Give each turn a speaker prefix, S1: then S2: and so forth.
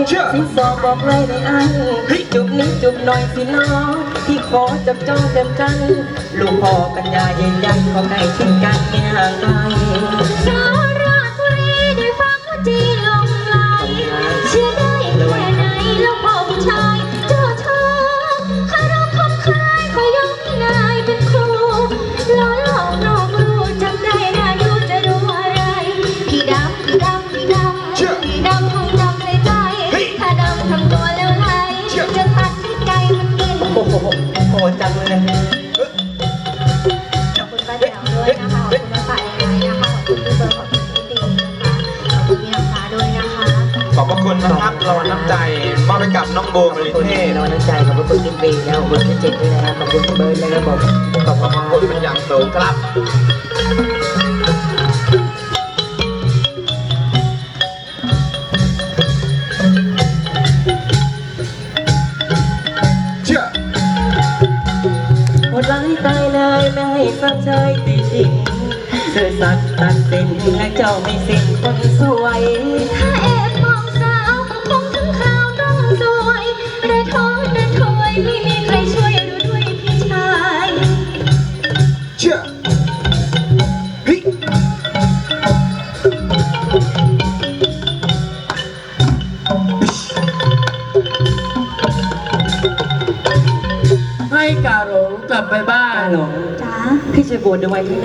S1: สิสอบอกเลยได้อันจุบนิดจุบหน่อยสิน้องที่ขอจับจ้องเต็มกันลูกพ่อปัญญาเย็นยันขอใกล้ชิดกันไม่ห่างไกล
S2: สาราบุรีได้ฟังว่าจีลงไหลเชื่อได้แค่ไหนลูกพ่อผู้ชายเจ้าชายคารมคำคายขอยกให้นายเป็นครูล้อหลอกนอกรู้จำได้น่าดูจะรู้อะไรพี่ดำพี่ดำพี่ดำพี่ดำคงจำในใจถ้าดำทำตัวแล้วไหลจะตัดให้ไก่มันกิน
S1: โอ้โหโหจังเลย
S2: ขอบคุณป้าแจ๋วด้วยนะคะขอบคุณป้าฝ่ายนะคะขอบคุณพี่เบิร์ดขอบคุณพี่ตีนะคะขอบคุณพี่น้ำฟ้าด้วยนะคะ
S3: ขอบพระคุณนะครับรางวัลน้ำใจมอบให้กับน้องโบมริเทศ
S1: เราน้ำใจขอบคุณจิมปีแล้วขอบคุณพี่เจตด้วยนะครับขอบคุณพี่เบิร์ดนะครับผมขอบคุณ
S3: ขอบคุณเป็นอย่างสูงครับ
S1: หมดร้ายตายเลยไม่ให้ฟังใจตีจริงเธอสัตว์ตัดสินและเจ้าไม่สิ้นคนสวย
S2: ถ้าแอบมองสาวคงถึงข่าวต้องสวยระท้อนระถวยไม่มีใครช่วยรู้ด้วยพี่ชาย
S1: ให้กาหลงกลับไปบ้านหลง
S2: จ๋า
S1: พี่จะบวชในวัยที่